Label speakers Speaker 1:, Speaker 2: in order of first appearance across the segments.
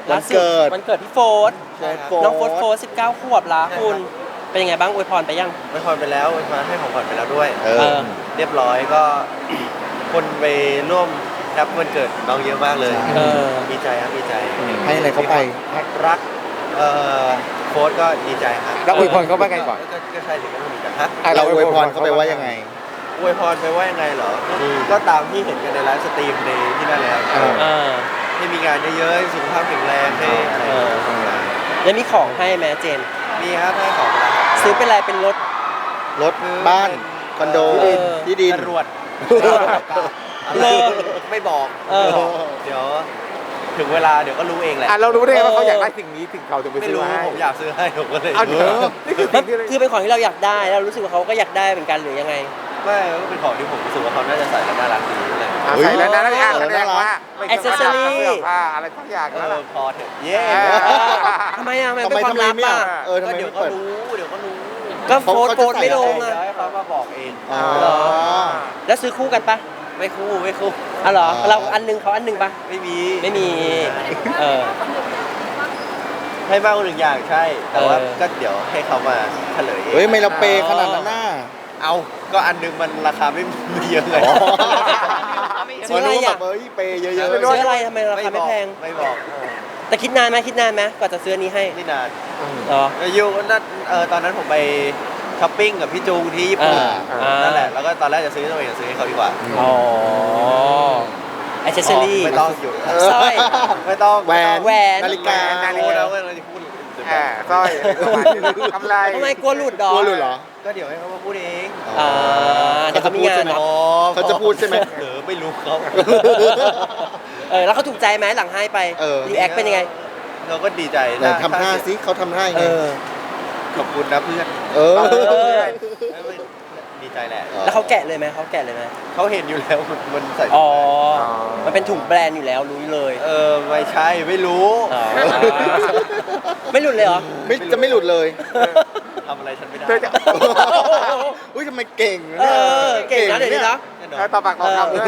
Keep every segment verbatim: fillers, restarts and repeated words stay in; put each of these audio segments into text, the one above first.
Speaker 1: วันเกิด
Speaker 2: วันเกิดพี่โฟร์ธ
Speaker 1: ใช่ครับ
Speaker 2: น้องโฟร์ธโฟร์ธสิบเก้าขวบละคุณเป็นยังไงบ้างอวยพรไปยัง
Speaker 3: อวยพรไปแล้วอวยพรให้ของขวัญไปแล้วด้วย
Speaker 1: เออ
Speaker 3: เรียบร้อยก็ คนไปร่วมแฮปวันเกิดน้องเยอะมากเลย
Speaker 2: เออ
Speaker 3: ดีใจครับดีใจ
Speaker 1: ให้อะไรเขาไป
Speaker 3: รักเอ่อโค้ชก็ดีใจครับ
Speaker 4: แล้วอวยพรเขาว่าไงก่อน
Speaker 3: ก็ก็ใช่ถึงก็ต้องดีใจฮะ
Speaker 1: เราอวยพรเขาไปว่ายังไง
Speaker 3: อวยพรไปว่ายังไงเหรอก็ตามที่เห็นกันในไลฟ์สตรีมในที่นั่นเลยครับ
Speaker 1: เออ
Speaker 2: เออ
Speaker 3: ให้มีงานเยอะๆสุขภาพแข็งแรงให้อะไร
Speaker 2: เออ แล้วมีของให้แม่เจน
Speaker 3: มีครับให้ของมาครับ
Speaker 2: ซื้อเป็นอะไรเป็นรถ
Speaker 1: รถบ้านคอนโด
Speaker 2: เออ
Speaker 1: ที่ดิน
Speaker 3: จรวด
Speaker 2: เลิก
Speaker 3: ไม่บอก
Speaker 2: เออ
Speaker 3: เดี๋ยวถึงเวลาเดี๋ยวก็รู้เองแหละ
Speaker 4: อ่ะเรารู้ได้ไงว่าเขาอยากได้สิ่งนี้ถึงเขาถึงไป
Speaker 3: ไม่
Speaker 4: ซื้อ
Speaker 3: รู้
Speaker 4: ให้
Speaker 3: ผมอยากซื้อให้ผมก็เลย
Speaker 4: เอาเถอะนี่คือ
Speaker 2: มั
Speaker 4: สิ่
Speaker 2: น
Speaker 4: งที่เลย
Speaker 2: คือเป็นของที่เราอยากได้แล้วรู้สึกว่าเขาก็อยากได้เหมือนกันหรือยังไง
Speaker 3: ไม่ก็เป็นของที่ผมรู้สึกว่าเขาน่าจะใส่แล้วน่ารักดีอะไร
Speaker 4: อ่ะ
Speaker 1: เฮ้ย
Speaker 4: ใส่แล้วนะแล้วอ่ะ
Speaker 1: เออ
Speaker 4: แสดงว่าไม่
Speaker 2: Accessory
Speaker 4: เสื้อผ้าอะไรทั้งอย่าง
Speaker 3: เอ
Speaker 4: แล้วล่ะ
Speaker 3: อพอเถอะเย้
Speaker 4: เออ
Speaker 2: ทำไมอ่ะมัน
Speaker 1: ทำ
Speaker 2: เป็น
Speaker 1: ไม
Speaker 2: ความ
Speaker 1: ทำไม
Speaker 2: ลับ
Speaker 1: ไม่
Speaker 2: อ่ะ
Speaker 1: อ่ะเออทำไม
Speaker 3: ก็เดี๋ยว
Speaker 1: ไม่
Speaker 3: ก็
Speaker 1: เปิด
Speaker 3: รู้เดี๋ยวก็รู้
Speaker 2: ก็โฟร์ธ
Speaker 1: เขา
Speaker 2: โฟร์ธ
Speaker 1: จะใส่
Speaker 2: ไม่ลง
Speaker 3: เดี๋
Speaker 2: อ่ะ
Speaker 3: ยวให้เขามาบอกเอง
Speaker 1: อ๋อ
Speaker 2: เหรอ แล้วซื้อคู่กันปะ
Speaker 3: ไม่คู่ไม่คู่
Speaker 2: อ๋อเหรอ
Speaker 1: อ๋อ
Speaker 2: เราอันหนึงเขาอันหนึงปะ
Speaker 3: ไม่มี
Speaker 2: ไม่มีเออ
Speaker 3: ให้มากกว่าหนึ่งอย่างใช่ แต่ว่า
Speaker 2: เออ
Speaker 3: ก็เดี๋ยวให้เขามาเฉลยเอง
Speaker 1: เฮ้ยไม่เราเปย์ขนาดนั้นน่ะ
Speaker 3: เอาก็อันหนึงมันราคาไม่ไม่เยอะเลย
Speaker 1: อ๋อ
Speaker 2: ซื้ออะไร
Speaker 1: มารู้แบ
Speaker 2: อ่ะ
Speaker 1: บเฮ้ยเปย์เยอะ
Speaker 2: ซื้ออะไรทำไมราคาไม่แพง
Speaker 3: ไม่บอก
Speaker 2: แต่คิดนานไหมคิดนานไหมกว่าจะซื้ออันนี้ให้
Speaker 3: ไม่นาน
Speaker 2: เหรอ
Speaker 3: อยู่นั่นเออตอนนั้นผมไปช้อปปิ้งกับพี่จูงที่ญี่ปุ่น
Speaker 2: อ่า
Speaker 3: นั่นแหละแล้วก็ตอนแรกจะซื้อตัวเองจะซื้อให้เขาดีกว่า
Speaker 2: อ๋อแอคเซสซอรี่
Speaker 3: ไม่ต้องหยุด
Speaker 2: สร้อย
Speaker 3: ไม่ต้อง
Speaker 1: ๆแหวน
Speaker 2: แหวน
Speaker 1: นาฬิกา
Speaker 3: นาฬิกาแล้วเราจะพูด
Speaker 4: อ่าสร้อยกำไร
Speaker 2: ทำไมกลัวหลุดดอก
Speaker 1: กลัวหลุดเหรอ
Speaker 3: ก็เดี๋ยวให้เขามาพูดเอง
Speaker 2: อ่าเดี๋ยวเขามีงานเนอะ
Speaker 1: เขาจะพูดใช่ไหม
Speaker 3: เออไม่รู้เขา
Speaker 2: เออแล้วเขาถูกใจไหมหลังให้ไป
Speaker 1: เออ
Speaker 2: รีแอคเป็นยังไง
Speaker 3: เราก็ดีใจ
Speaker 1: ไหนทำท่าสิเขาทำท่ายัง
Speaker 2: เอ
Speaker 1: ไง
Speaker 2: อ
Speaker 3: ขอบคุณนะเพื่อน
Speaker 1: เออ
Speaker 2: เออ
Speaker 3: ดีใจแหละ
Speaker 2: แล้วเขาแกะเลยไหมเขาแกะเลยไหม
Speaker 3: เขาเห็นอยู่แล้วมันมันใส่
Speaker 2: อ๋อ มันเป็นถุงแบรนด์อยู่แล้วรู้เลย
Speaker 3: เออไม่ใช่ไม่รู้
Speaker 2: อ๋อไม่หลุดเลยเหรอ
Speaker 1: ไม่จะไม่หลุดเลย
Speaker 3: ทำอะไรฉันไม่ได้
Speaker 4: เธอจะ
Speaker 1: อุ้ยทำไมเก่งนะ
Speaker 2: เอ
Speaker 1: เนี่ย
Speaker 2: อเก่งนะเดี๋ยวนี้เนาะ
Speaker 3: แน่นอ
Speaker 4: เออน ต่อปากต่อคำด้วย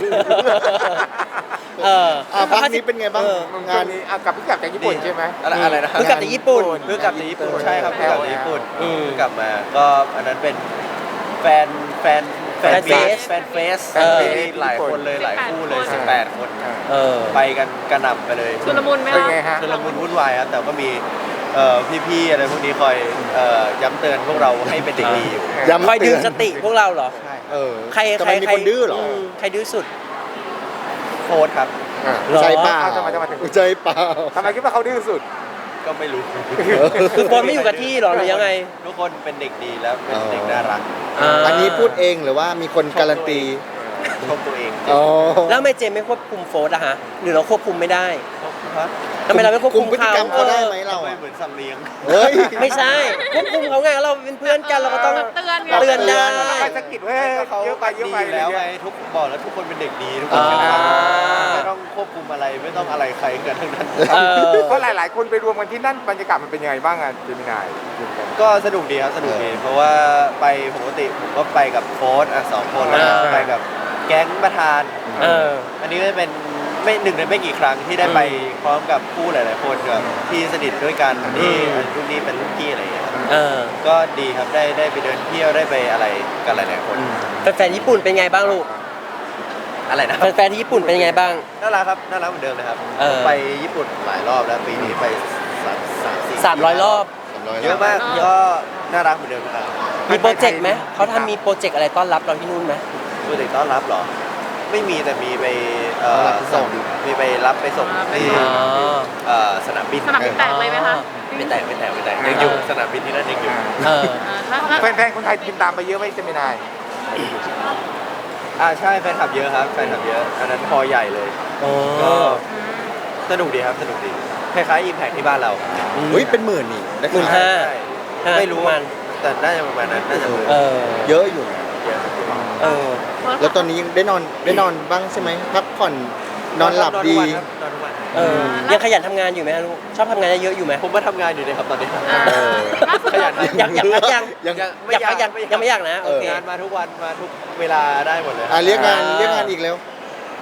Speaker 2: เออ
Speaker 1: อ่ะพักนี้เป็นไงบ้าง
Speaker 2: เออ
Speaker 4: งาง
Speaker 1: าน น
Speaker 4: นี้อ่ะกลับพี่กลับจากญี่ปุ่นใช่ไหม
Speaker 3: อะไรอะไรนะ
Speaker 2: เพิ่งกลับจากญี่ปุ่น
Speaker 3: เพิ่งกลับจากญี่ปุ่นใช่ครับเพิ่งกลับจากญี่ปุ่น
Speaker 2: อืม
Speaker 3: เพิ่งกลับมาก็อันนั้นเป็นแฟนแฟน
Speaker 2: แฟนเฟส
Speaker 3: แฟนเฟส
Speaker 2: เออ
Speaker 3: มีหลายคนเลยหลายคู่เลยสิบแปดคน
Speaker 2: เออ
Speaker 3: ไปกันกระหน่ำไปเลย
Speaker 5: ชุลมุนไหม
Speaker 4: เป็น
Speaker 5: คะ
Speaker 4: ไงฮะ
Speaker 3: ชุลมุนวุ่นวายครับแต่ก็มีเอ่อพี่ๆอะไรพวกนี้คอยเอ่อย้ำเตือนพวกเราให้เป็นเด็กดีอยู่
Speaker 1: ย้ำ
Speaker 2: คอยดึ
Speaker 1: เตื
Speaker 2: ง
Speaker 1: อน
Speaker 2: สติพวกเราเหรอ
Speaker 3: ใช่
Speaker 1: เออ
Speaker 2: ใคร
Speaker 1: ทำ
Speaker 2: ใคร
Speaker 1: ไมมี
Speaker 2: ใคร
Speaker 1: คนดื้อเหรอ
Speaker 2: มใครดื้อสุด
Speaker 3: โค้ดครับ
Speaker 4: อ่ะ
Speaker 2: เหรอ
Speaker 1: ใจเปล่า
Speaker 4: เอาทำไมทำไมถึง
Speaker 1: ใจเปล่า
Speaker 4: ทำไมคิดว่าเขาดื้อสุด
Speaker 3: ก็ไม่รู้
Speaker 2: คือโฟนไม่อยู่กับที่เหรอหรือยังไง
Speaker 3: ทุกคนเป็นเด็กดีแล้วเป็นเด็กน่ารัก
Speaker 2: า
Speaker 1: อันนี้พูดเองหรือว่ามีคนการันตี
Speaker 3: ชมตัวเอง
Speaker 1: อ๋อ
Speaker 2: แล้วทำไมเจมไม่ควบคุมโฟนอะฮะหรือเราควบคุมไม่ได้
Speaker 3: ฮะ
Speaker 2: ทำไมเราไม่ควบคุม
Speaker 1: พฤติกรรมเขาได้ไหม
Speaker 2: ออ
Speaker 1: เรา
Speaker 3: ไม่
Speaker 1: อะ
Speaker 3: เหมือนสัตว์เลี้ยง
Speaker 1: เฮ้ย
Speaker 2: ไม่ใช่ควบคุมเขาไงเราเป็นเพื่อนกันเราก็ต้อง
Speaker 5: เตือนไง
Speaker 2: เตือนได้
Speaker 4: ไปสะกิดเว้ย
Speaker 3: เขา
Speaker 4: เยอะไปเยอะไป
Speaker 3: ดีแล้วไงทุกบอกแล้วทุกคนเป็นเด็กดีทุกคนเป็น
Speaker 2: อ่า
Speaker 3: ไม่ต้องควบคุมอะไรไม่ต้องอะไรใครกันทั้งนั้น
Speaker 2: เออ
Speaker 4: เพราะหลาย ๆ คนไปรวมกันที่นั่นบรรยากาศมันเป็นยังไงบ้างอ่ะเจมินาย
Speaker 3: ก็สนุกดีครับสนุกดีเพราะว่าไปปกติผมก็ไปกับโค้ชอ่ะสองคนแล้วก็
Speaker 2: อ่า
Speaker 3: ไปกับแก๊งประธาน
Speaker 2: เออ
Speaker 3: อันนี้ก็จะเป็นไม่หนึ่งในไม่กี่ครั้งที่ได้ไปพร้อมกับผู้หลาย ๆ คนกับที่สนิทด้วยกันที่รุ่นนี้เป็นรุ่นพี่อะไรอย่างเงี้ยครับ
Speaker 2: เออ
Speaker 3: ก็ดีครับได้ได้ไปเดินเที่ยวได้ไปอะไรกันหลาย ๆ คน
Speaker 2: แฟนๆญี่ปุ่นเป็นไงบ้างลูก
Speaker 3: อะไรนะ
Speaker 2: แฟนๆที่ญี่ปุ่นเป็นยังไงบ้าง
Speaker 3: น่ารักครับน่ารักเหมือนเดิมเลยครับ
Speaker 2: เออ
Speaker 3: ไปญี่ปุ่นหลายรอบแล้วปีนี้ไปสามสามสี่
Speaker 2: สามร้อยรอบ
Speaker 3: เยอะมากก็น่ารักเหมือนเดิมนะครับ
Speaker 2: มีโปรเจกต์ไหมเขาทำมีโปรเจกต์อะไรต้อนรับเราที่นู่นไหม
Speaker 3: โปรเจกต์ต้อนรับเหรอ ไม่มีแต่มีไปเอ่อส่งมีไปรับไปส่งที่
Speaker 2: อ๋อ
Speaker 3: เอ่อสนามบิน
Speaker 5: สนามบินแตกเลยไหมคะ
Speaker 3: ไม่แตกไม่แตกไม่แตกยังอยู่สนามบินที่นั่นยังอยู่
Speaker 2: เออ
Speaker 5: อ่าแล้วแล้ว
Speaker 4: แฟน ๆ คนไทยบินตามไปเยอะไหมเจมินาย
Speaker 3: อ่าใช่แฟนคลับเยอะครับแฟนคลับเยอะอันนั้นพอใหญ่เลย
Speaker 2: อ๋อ
Speaker 3: ก็สนุกดีครับสนุกดีคล้ายๆอิมแพคที่บ้านเรา
Speaker 1: เฮ้ยเป็นหมื่นนี่ได้
Speaker 2: หมื่น
Speaker 1: ข่าว
Speaker 2: ห้า
Speaker 3: ไม่รู้
Speaker 2: มัน
Speaker 3: แต่น่าจะประมาณนั้นน่าจะ
Speaker 2: เออ
Speaker 1: เยอะอยู่นะ
Speaker 3: เยอะ
Speaker 2: เออ
Speaker 1: แล้วตอนนี้ยังได้นอนได้นอนบ้างใช่ไหมพักผ่อนนอนหลับดี
Speaker 3: นอนทุกวันครับนอนทุกวัน
Speaker 2: เออ ยังขยันทำงานอยู่ไหมลูก ชอบทำงานเยอะๆอยู่ไหม
Speaker 3: ผมมาทำงานอยู่เลยครับตอนนี้
Speaker 5: อ่า
Speaker 1: เออ
Speaker 5: ล่าสุด
Speaker 3: ขยัน
Speaker 5: เรา
Speaker 2: อยากอยากพักยัง
Speaker 1: ยัง
Speaker 2: อยากพักยังยังไม่อยากนะ โอเค
Speaker 3: งานมาทุกวันมาทุกเวลาได้หมดเลย
Speaker 1: อ่ะเรียกงาน
Speaker 2: อ่า
Speaker 1: เรียกงานอีกแล้ว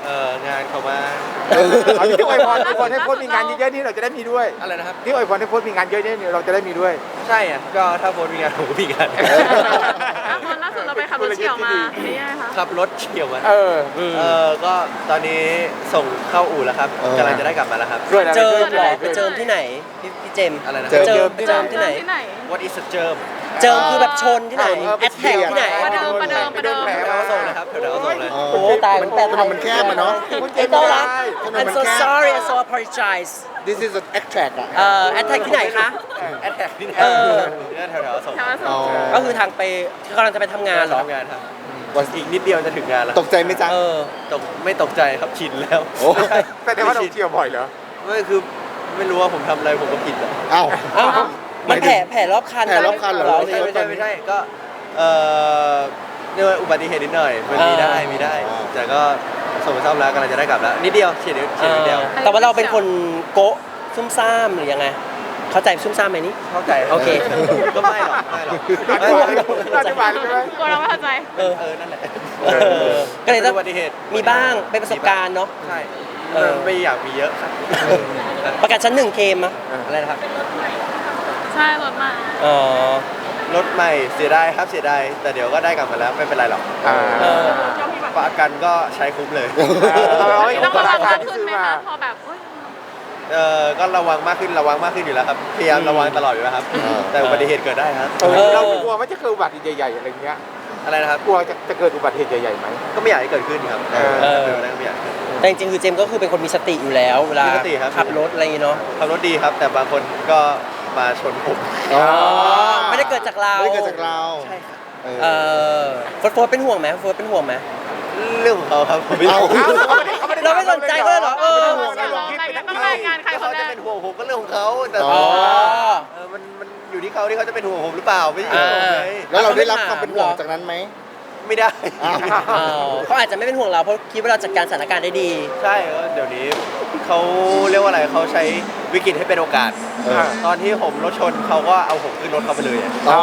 Speaker 3: เอองานเขามา
Speaker 4: เอาที่อวยพรอวยพรให้โพสต์มีงานเยอะๆนี่เราจะได้มีด้วย
Speaker 3: อะไรนะครับ
Speaker 4: ที่อวยพรให้โพสต์มีงานเยอะๆนี่เราจะได้มีด้วย
Speaker 3: ใช่อ่ะก็ถ้าโพสต์มีงานผมก็มีงาน
Speaker 5: แล้วตอนล่าสุดเราไปขับรถเฉี่ยวมานี่ยังไงคะ
Speaker 3: ขับรถเฉี่ยวมา
Speaker 4: เออ
Speaker 3: เออก็ตอนนี้ส่งเข้าอู่แล้วครับ
Speaker 1: เออ
Speaker 3: กำลังจะได้กลับมาแล้วครับ
Speaker 4: ด้วยอะไร
Speaker 2: เจิม
Speaker 4: ด้วย
Speaker 2: เหรอ
Speaker 4: อะไร
Speaker 2: ไปเจิมที่ไหนพี่พี่เจมส์
Speaker 3: อะไรนะ
Speaker 1: เจิม
Speaker 2: เจิมไปเจิมที่ไหน
Speaker 5: ที่ไหน
Speaker 3: What is a germ
Speaker 2: เจิมคือแบบชนที่ไหน
Speaker 1: เออ
Speaker 2: แอดแท็กที่ไหน
Speaker 5: ประเดิมประเดิมประเดิม
Speaker 4: แผล
Speaker 3: แถว
Speaker 4: มา
Speaker 3: ๆส่งเลยครับแถวๆส่งเลย
Speaker 1: เออ
Speaker 2: โอ้ตาย
Speaker 1: มัน
Speaker 2: แปล
Speaker 1: ถนนมันแคบอะเนาะ
Speaker 2: ไอ้ต้อนรับ
Speaker 1: ถนน
Speaker 2: I'm
Speaker 1: มัน
Speaker 2: so
Speaker 1: แคบ
Speaker 2: sorry I'm so apologize
Speaker 1: This is an attract อ่ะ
Speaker 2: เอ่อแอดแท็กที่ไหนคะ
Speaker 3: แอดแท็กนี่นะ
Speaker 2: เออ
Speaker 3: เนี่ยแถวๆส่ง
Speaker 5: แถวอโศ
Speaker 1: อ๋อ
Speaker 5: ก
Speaker 2: ก็คือทางไปกำลังจะไปทำงานเหรอ
Speaker 3: ทำงานครับอีกนิดเดียวจะถึงงานแล้ว
Speaker 1: ตกใจไหมจ๊ะ
Speaker 2: เออ
Speaker 3: ตกไม่ตกใจครับชินแล้ว
Speaker 1: โอ้
Speaker 4: แต่แต่ว่าเราเที่ยวบ่อยเหรอ
Speaker 3: ไม่คือไม่รู้ว่าผมทำอะไรผมก็ผิดอะ
Speaker 1: เอ้า
Speaker 2: เอ้ามันแผลแผลรอบคัน
Speaker 1: แผลรอบคันเหรอ
Speaker 3: ไม่ใช่ไม่ใช่ไม่ใช่ก็เอ่อเรียกว่าอุบัติเหตุนิดหน่อยมันมีได้มีได้ แต่ก็ส่งไปซ่อมแล้วกำลังจะได้กลับแล้วนิดเดียวเฉียดนิดเฉียดนิดเดียว
Speaker 2: แต่ว่าเราเป็นคนโกะซุ่มซ่ามหรือยังไง เข้าใจซุ่มซ่ามไหมนี่
Speaker 3: เข้าใจ
Speaker 2: โอเค
Speaker 3: ก็ไม่หรอกไม่หรอก
Speaker 4: ไม่หรอก อธิบายได้ไหม
Speaker 5: กลัวเราไม่เข้าใจ
Speaker 2: เออ
Speaker 3: เออนั่นแหละ
Speaker 2: เออก็เลยต้อง
Speaker 3: อุบัติเหตุ
Speaker 2: มีบ้างเป็นประสบการณ์เนาะ
Speaker 3: ใช่
Speaker 2: เออ
Speaker 3: ไม่อยากมีเยอะครับ
Speaker 2: ประกันชั้นหนึ่งเคมอะ
Speaker 3: อะไรนะครับ
Speaker 5: ใช่รถมา
Speaker 2: อ๋อ
Speaker 3: รถใหม่เสียดายครับเสียดายแต่เดี๋ยวก็ได้กลับมาแล้วไม่เป็นไรหรอก
Speaker 4: อ่า
Speaker 2: เออ
Speaker 3: ประกันก็ใช้คุ้มเลย
Speaker 4: เอาไว้
Speaker 5: ต้อง
Speaker 4: ขอ
Speaker 5: ระ
Speaker 4: ง
Speaker 5: วัง
Speaker 4: ราคาม
Speaker 5: าก
Speaker 4: ที่
Speaker 5: ขึ้น
Speaker 4: ซื้อ
Speaker 5: ไหม
Speaker 4: มา
Speaker 5: คะพอแบบเอ้ย
Speaker 3: เออก็ระวังมากขึ้นระวังมากขึ้นอยู่แล้วครับพยายามระวังตลอดอยู่แล้วครับ
Speaker 1: เออ
Speaker 3: แต่อุบัติเหตุเกิดได้ครับ
Speaker 4: เออเรากลัวว่าจะเกิดอุบัติเหตุใหญ่ๆอะไรเงี้ย
Speaker 3: อะไรนะครับ
Speaker 4: กลัวจะจะเกิดอุบัติเหตุใหญ่ๆไหม
Speaker 3: ก็ไม่อยากให้เกิดขึ้นครับ
Speaker 4: เออ
Speaker 3: เออเป็นไปได้ก็ไม่อยากให้เกิดขึ้น
Speaker 2: แต่จริงๆคือเจมส์ก็คือเป็นคนมีสติอยู่แล้วเวลา
Speaker 3: มีสติครับ
Speaker 2: ขับรถอะไรอย่างงี้เนาะ
Speaker 3: ขับรถดีครับ แต่บางคนก็มาชนผม
Speaker 1: อ๋อ
Speaker 2: ไม่ได้เกิดจากเรา
Speaker 1: ไม่ได้เกิดจากเรา
Speaker 3: ใช่ครับ
Speaker 1: เออ
Speaker 2: เออโฟร์โฟร์เป็นห่วงไหมโฟร์เป็นห่วงไหม
Speaker 3: เรื่องของเขาครับผมไม่
Speaker 1: เอา
Speaker 3: รู้
Speaker 2: เราไม่สนใจเขาเลยเหรอเออ
Speaker 5: ต้องรายงานใครค
Speaker 3: เขา
Speaker 5: นแร
Speaker 3: จะ
Speaker 5: ก
Speaker 3: เป็นห่วงผมก็เรื่องของเขาแต่
Speaker 1: อ๋อ
Speaker 3: เออมันมันอยู่ที่เขาที่เขาจะเป็นห่วงผมหรือเปล่าไม่ใช่อยู่ที่ผมไง
Speaker 1: แล้วเราได้รับความเป็นห่วงจากนั้นไหม
Speaker 3: ไม่ได้
Speaker 1: อ้าว
Speaker 2: อ๋อเขาอาจจะไม่เป็นห่วงเราเพราะคิดว่าเราจัดการสถานการณ์ได้ดี
Speaker 3: ใช่ก็เดี๋ยวนี้เขาเรียกว่าอะไรเขาใช้วิกฤตให้เป็นโอกาส
Speaker 1: เออ
Speaker 3: ตอนที่ผมรถชนเขาก็เอาผมขึ้นรถเขาไปเลยอะ
Speaker 1: อ๋อ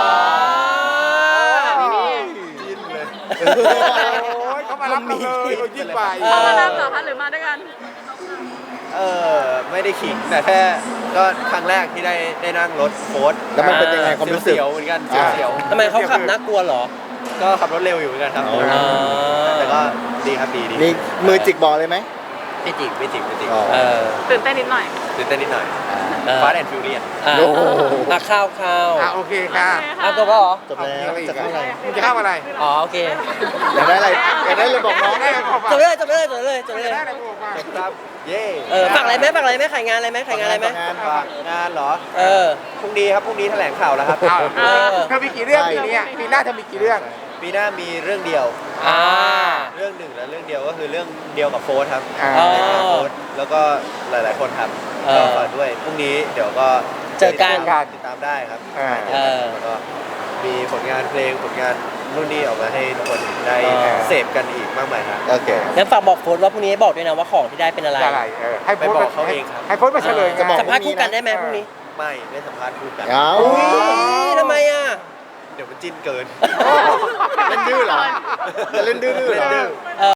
Speaker 3: จิ้นเลย
Speaker 4: โอ้ยเขามารับเราเลยเรายิ่งไป
Speaker 2: เออ
Speaker 5: เขามารับเหรอคะหรือมาด้วยกัน
Speaker 3: เออไม่ได้ขิงแต่แค่ก็ครั้งแรกที่ได้ได้นั่งรถโฟร์ด
Speaker 1: แล้วมันเป็นยังไงความรู้สึก
Speaker 3: เสียวๆเหมือนกัน
Speaker 1: อ่า
Speaker 3: เสียว
Speaker 2: ทำไมเขาขับน่ากลัวเหรอ
Speaker 3: ๆก็ขับรถเร็วอยู่เหมือนกันครับ
Speaker 1: อ๋อ
Speaker 3: แต่ก็ดีครับดีดี
Speaker 1: มีมือจิกบอลเลยไหม
Speaker 3: ไม่จิกไม่จิกไม่จิก
Speaker 1: อ๋อ
Speaker 2: เออ
Speaker 5: ตื่นเต้นนิดหน่อย
Speaker 3: ตื่นเต้นนิดหน่อย
Speaker 2: เออ
Speaker 3: ฟาสแอนด์ฟิวเรียน
Speaker 2: อ่ะ
Speaker 1: โอ้โห
Speaker 2: อ่ะข้าวข้าว
Speaker 4: อ่ะโอเคค่ะ
Speaker 2: อ่ะตัวก็เหรอ
Speaker 1: จบแล้วจะเข้าอะไร
Speaker 4: มึงจะเข้าอะไร
Speaker 2: อ๋อโอเค
Speaker 1: อยากได้อะไรอยากได้เลยบอกน้อง
Speaker 4: ได้เลยบอกมา
Speaker 2: จบเลยจบเลยจบเลยจบเลย
Speaker 4: ได้เลยบอกมา
Speaker 3: ครับเย่
Speaker 2: เออฝากอะไรไหมฝากอะไรไหมขายงานอะไรไหมขายงานอะไรไหม
Speaker 1: งาน
Speaker 3: ฝากงานเหรอ
Speaker 2: เออ
Speaker 3: พรุ่งนี้ครับพรุ่งนี้แถลงข่าวแล้วครับ
Speaker 4: เอา
Speaker 2: เออ
Speaker 4: เธอมีกี่เรื่องปีนี้อะปีหน้าเธอมีกี่เรื่อง
Speaker 3: ปีหน้ามีเรื่องเดียว
Speaker 2: อ่า
Speaker 3: เรื่องหนึ่งและเรื่องเดียวก็คือเรื่องเดียวกับโฟร์ครับ
Speaker 4: อ่า
Speaker 2: อ๋อ
Speaker 3: เรื่องกับโฟร์แล้วก็หลาย ๆ คนครับ
Speaker 2: เออ
Speaker 3: ก็ฝากด้วยพรุ่งนี้เดี๋ยวก็
Speaker 2: เจอกัน
Speaker 3: ติดตามได้ครับ
Speaker 4: อ่า
Speaker 2: เออ
Speaker 3: แล้วก็มีผลงานเพลงผลงานนู่นนี่ออกมาให้ทุกคนได้
Speaker 2: เออ
Speaker 3: เสพกันอีกมากมายครับ
Speaker 1: โอเค
Speaker 2: งั้นฝากบอกโฟนว่าพรุ่งนี้บอกด้วยนะว่าของที่ได้เป็นอะไร
Speaker 4: จะอะไรเออให้โพสต์
Speaker 3: ไปบอกเขาเองครับ
Speaker 4: ให้โพสต์มาเฉลย
Speaker 1: จะบอก
Speaker 2: สัมภาษณ์คู่กันได้ไหมพรุ่งนี้
Speaker 3: ไม่ไม่สัมภาษณ์คู่กัน
Speaker 1: เอา
Speaker 2: อุ้ยทำไมอ่ะ
Speaker 3: เดี๋ยวมันจิ้นเกิน
Speaker 1: เล่นดื้อเหรอจะเล่นดื้อๆเหรอ
Speaker 3: เล่นดื้อ